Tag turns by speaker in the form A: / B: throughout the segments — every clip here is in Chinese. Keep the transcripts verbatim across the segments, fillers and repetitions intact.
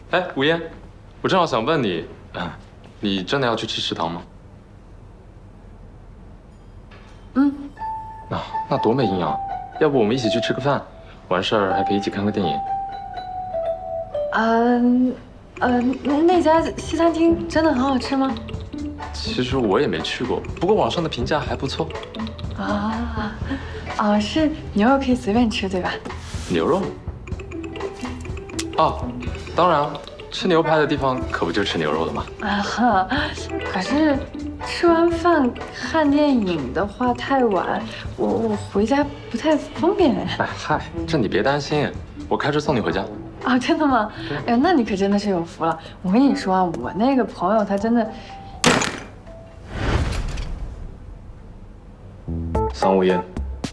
A: 哎，吴嫣，我正好想问你，你真的要去吃食堂吗？
B: 嗯。
A: 那、啊、那多没营养！要不我们一起去吃个饭，完事儿还可以一起看个电影。
B: 嗯，呃，那家西餐厅真的很好吃吗？
A: 其实我也没去过，不过网上的评价还不错。
B: 啊，啊，是牛肉可以随便吃对吧？
A: 牛肉？哦，当然，吃牛排的地方可不就吃牛肉的吗？
B: 啊哈，可是吃完饭看电影的话太晚，我我回家不太方便哎。
A: 哎嗨，这你别担心，我开车送你回家。
B: 啊，真的吗？哎呀，那你可真的是有福了。我跟你说啊，我那个朋友他真的。
C: 桑无烟，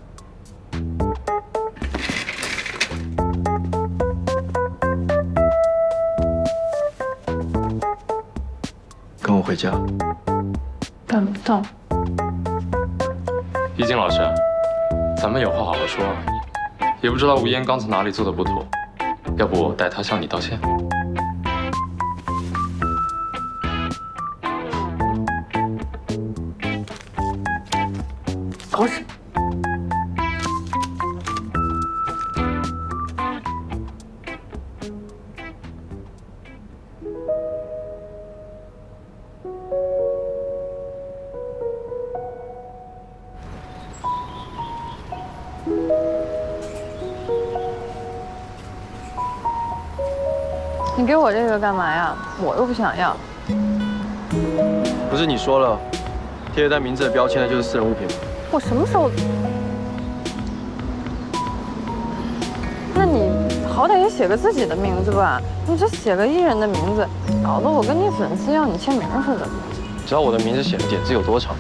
C: 跟我回家。
B: 办不到。
A: 易经老师，咱们有话好好说啊。也不知道吴嫣刚才哪里做的不妥，要不我代她向你道歉。
B: 狗屎！你给我这个干嘛呀？我又不想要。
C: 不是你说了，贴在名字的标签的就是私人物品吗？
B: 我什么时候？那你好歹也写个自己的名字吧，你这写个艺人的名字，搞得我跟你粉丝要你签名似的。
C: 只要我的名字写的点字有多长，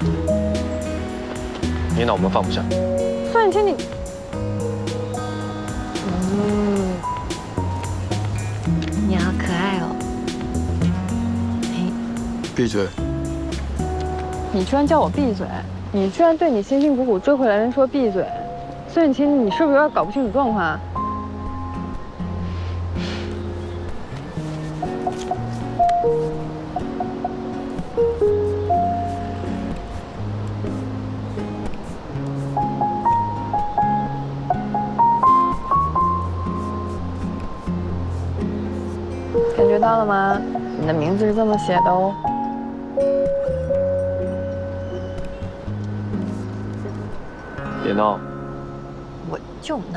C: 你脑门放不下。
B: 算你签你。嗯，你好可爱哦。嘿，
C: 闭嘴！
B: 你居然叫我闭嘴！你居然对你辛辛苦苦追回来的人说闭嘴！孙雨晴，你是不是有点搞不清楚状况啊？感觉到了吗？你的名字是这么写的哦。
C: 别闹！
B: 我就闹。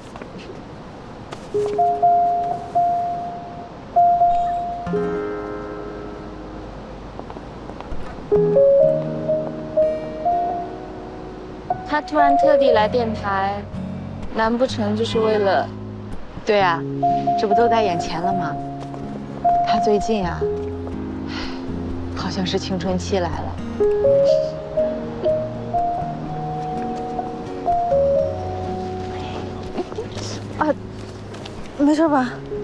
D: 他突然特地来电台，难不成就是为了？
E: 对啊，这不都在眼前了吗？他最近啊，好像是青春期来了。
B: 啊，没事吧？